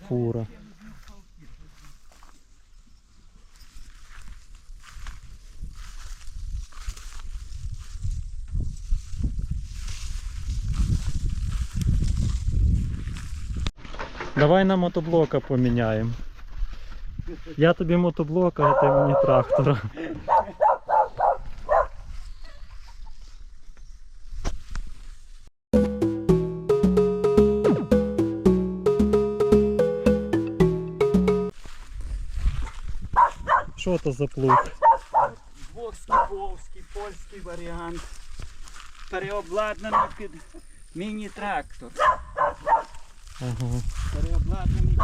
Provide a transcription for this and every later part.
фура. Давай на мотоблока поміняємо. Я тобі мотоблока, а ти мені трактора. Що то за плуг? Двохскіповський, польський варіант. Переобладнаний під міні-трактор. Ага. Переобладнаний під...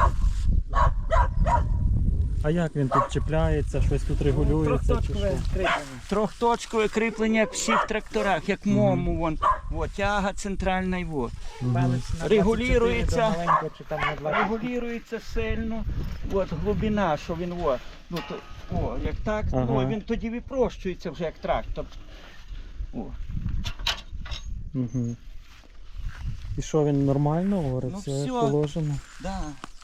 А як він тут чіпляється, щось тут регулюється чи що? Трьохточкове кріплення як в всіх тракторах, як мому вон. Во, тяга центральна і во. Регулюється, регулюється сильно. От глибина, що він во. Ну, то, о, як так, Ага. ну, він тоді випрощується вже як трактор. О. Угу. І що, він нормально говорить? Ну, все все. як положено? Да.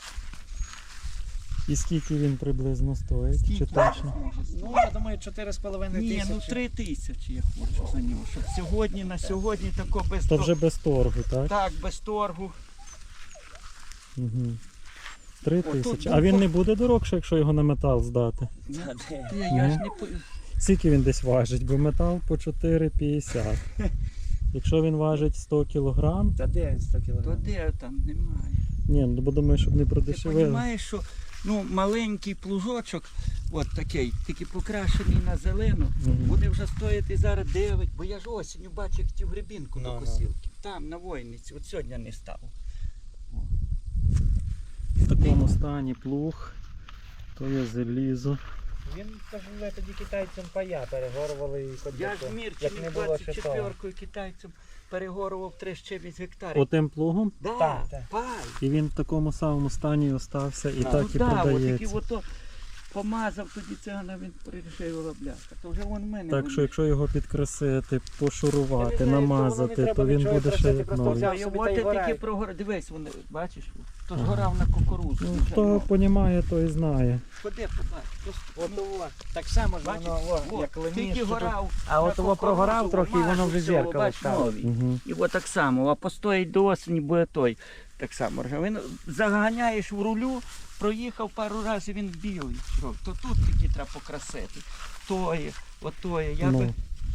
І скільки він приблизно стоїть? Скільки? Чи точно? Ну, я думаю, 4,5 Ні, тисячі. ну 3 тисячі я хочу за нього. Щоб сьогодні, на сьогодні тако без То вже без торгу, так? Так, без торгу. Угу. 3 О, тут тисячі. був А він не буде дорогше, якщо його на метал здати? Та де? Я ж не по... Скільки він десь важить? Бо метал по 4,50. Якщо він важить 100 кг, Та де 100 То кг? де там немає. ні, ну бо думаю, щоб не Ти продешевили. розумієш, що ну, маленький плужочок, от такий, тільки покрашений на зелену, Мгм. буде вже стояти зараз 9, бо я ж осінню бачу, як ті в грибінку Ну, до ну. косілки. Там, на Войниці, от сьогодні не став. В такому стані плуг, то є залізо. Він, кажу, тоді китайцям пая перегорували і хоч Я би ж що. Мірчині Як не було ще того. 24-кою китайцям перегорував 3,9 гектарів. Отим плугом, Да, Так, так. пай. і він в такому самому стані остався і Ну, так і Ну так, от продається. тільки ото помазав тоді цигана, він пришив бляха. То вже вон в мене. Так що якщо його підкрасити, пошурувати, Я не знаю, намазати, то воно не то треба він нічого буде ще красити, як просто новий. взяв. Я собі от та й я горає. тільки прогорав. Дивись, вони, бачиш, то ж Ага. горав на кукурудзу. Ну, вже, хто понімає, той знає. Ходи, побач. Просто, От ну, того. Так само ж бачиш, воно, о, як леміш. тільки що тут. горав. А на от того прогорав кукурудзу, трохи, і воно вже мажу, зеркало бач, стало. новий. Угу. І от так само, а постоїть до осені, буде той. Так само. Він заганяєш в рулю, проїхав пару разів, він білий. То тут тільки треба покрасити. Тої, отої. Я би...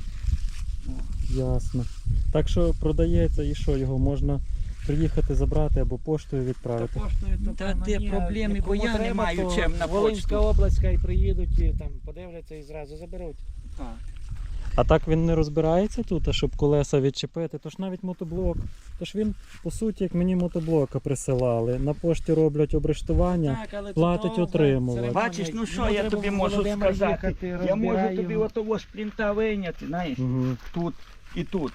Ну, ясно. Так що продається і що, його можна приїхати забрати або поштою відправити. Та де проблеми, бо я не маю чим на Волинська почту. область, і приїдуть, і там подивляться і зразу заберуть. Так. А так він не розбирається тут, а щоб колеса відчепити, то ж навіть мотоблок. Тож він, по суті, як мені мотоблока присилали. На пошті роблять обрештування. Так, але платить тут отримувач. церемонія. Бачиш, ну що Йому я треба тобі в можу Володимир сказати? їхати, Я можу розбирає тобі його. отого шплінта вийняти, знаєш, Угу. тут і тут.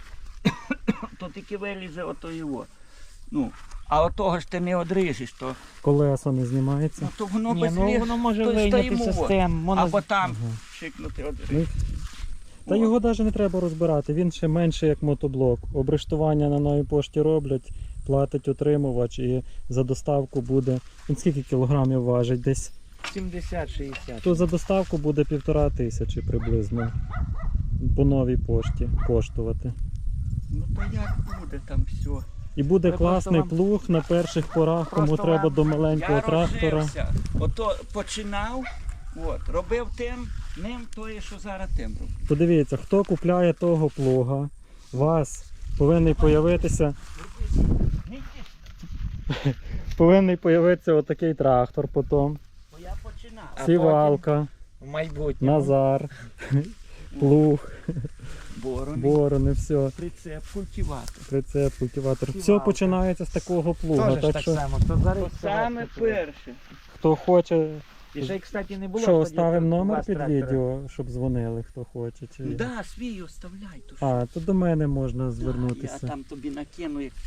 То тільки вилізе ото його. Ну, а отого ж ти не одріжеш, то, Колеса не знімається. ну, то воно Ні, без ну ліг, воно може то вийняти стоїмо, систем. або там Ага. шикнути Ну, одріж. Та його навіть не треба розбирати, він ще менше як мотоблок. Обрештування на новій пошті роблять, платить отримувач і за доставку буде. Він скільки кілограмів важить? Десь 70-60. то за доставку буде 1500 приблизно по новій пошті коштувати. Ну то як буде там все? І буде Ви класний просто плуг на перших порах, кому просто треба вам- до маленького Я трактора. розжився. Ото починав, от, робив тим, ним тое, що зараз тим роблю. Подивіться, хто купляє того плуга, у вас повинний появитися отакий трактор потім, Бо я починав. А сівалка, В майбутньому. Назар, плуг, Борони, борони, все, прицеп, культиватор. прицеп, культиватор. Все Сівалка. починається з такого плуга. Теж ж Так так що само. То зараз То саме перше. хто хоче, І ще, кстати, не було. що тоді оставимо у номер вас під трактора. відео, щоб дзвонили, хто хоче. Чи... Ну да, свій оставляй. То що? А, то до мене можна Я звернутися. там тобі накину. Як...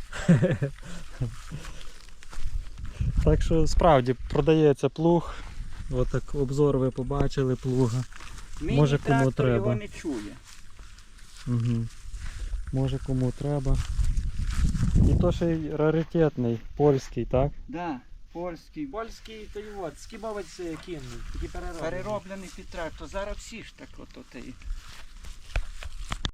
Так що справді продається плуг. Отак обзор ви побачили плуга. Може, кому Міні-трактор треба. його не чує. Угу. Може кому треба. І то ще й раритетний, польський, так? Да. Польський. Польський, то й от, скібовець кінний, такі перероблені. Перероблений під трактор. Зараз всі ж так от.